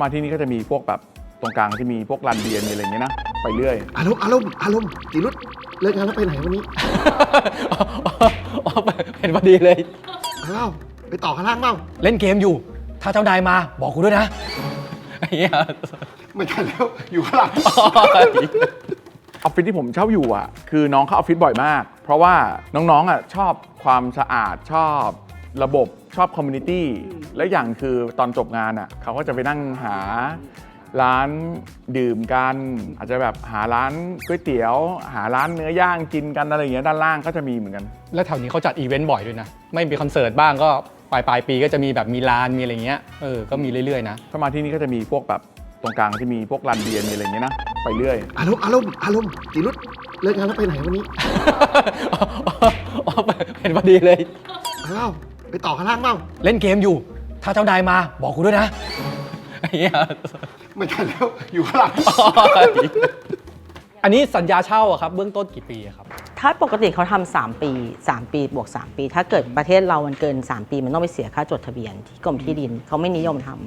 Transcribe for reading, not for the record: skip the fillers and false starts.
มาที่นี่ก็จะมีพวกแบบตรงกลางที่มีพวกลานเบียร์มีอะไรอย่างเงี้ยนะไปเรื่อยอารมณ์จีรุดเลิกงานแล้วไปไหนวันนี้เห็นพอดีเลยอ้าวไปต่อข้างล่างเปล่าเล่นเกมอยู่ ถ้าเจ้านายมาบอกกูด้วยนะอย่างเงี้ยไม่ทันแล้วอยู่ข้างหลังออฟฟิศที่ผมเช่าอยู่อ่ะคือน้องเข้าออฟฟิศบ่อยมาก เพราะว่าน้องๆอ่ะชอบความสะอาดชอบระบบชอบคอมมูนิตี้และอย่างคือตอนจบงานอ่ะเขาก็จะไปนั่งหาร้านดื่มกันอาจจะแบบหาร้านก๋วยเตี๋ยว หาร้านเนื้อย่างกินกันอะไรอย่างเงี้ยด้านล่างก็จะมีเหมือนกันแล้วแถวนี้เขาจัดอีเวนต์บ่อยด้วยนะ ไม่มีคอนเสิร์ตบ้างก็ปลายปีก็จะมีแบบมีลานมีอะไรเงี้ยก็มีเรื่อยๆนะถ้ามาที่นี่ก็จะมีพวกแบบตรงกลางที่มีพวกลานเบียร์มีอะไรอย่างเงี้ยนะไปเรื่อยอารมณ์จีรุดเลิกงานแล้วไปไหนวันนี้เห็นพอดีเลยอ้าวไปต่อข้างล่างเปล่าเล่นเกมอยู่ ถ้าเจ้านายมาบอกกูด้วยนะอย่างเงี้ยไม่ทันแล้วอยู่ข้างหลังอันนี้สัญญาเช่าอะครับเบื้องต้นกี่ปีอะครับถ้าปกติเขาทำ3 ปี 3 ปีบวก 3 ปี ถ้าเกิดประเทศเรามันเกิน 3 ปีมันต้องไปเสียค่าจดทะเบียนที่กรมที่ดินเขาไม่นิยมท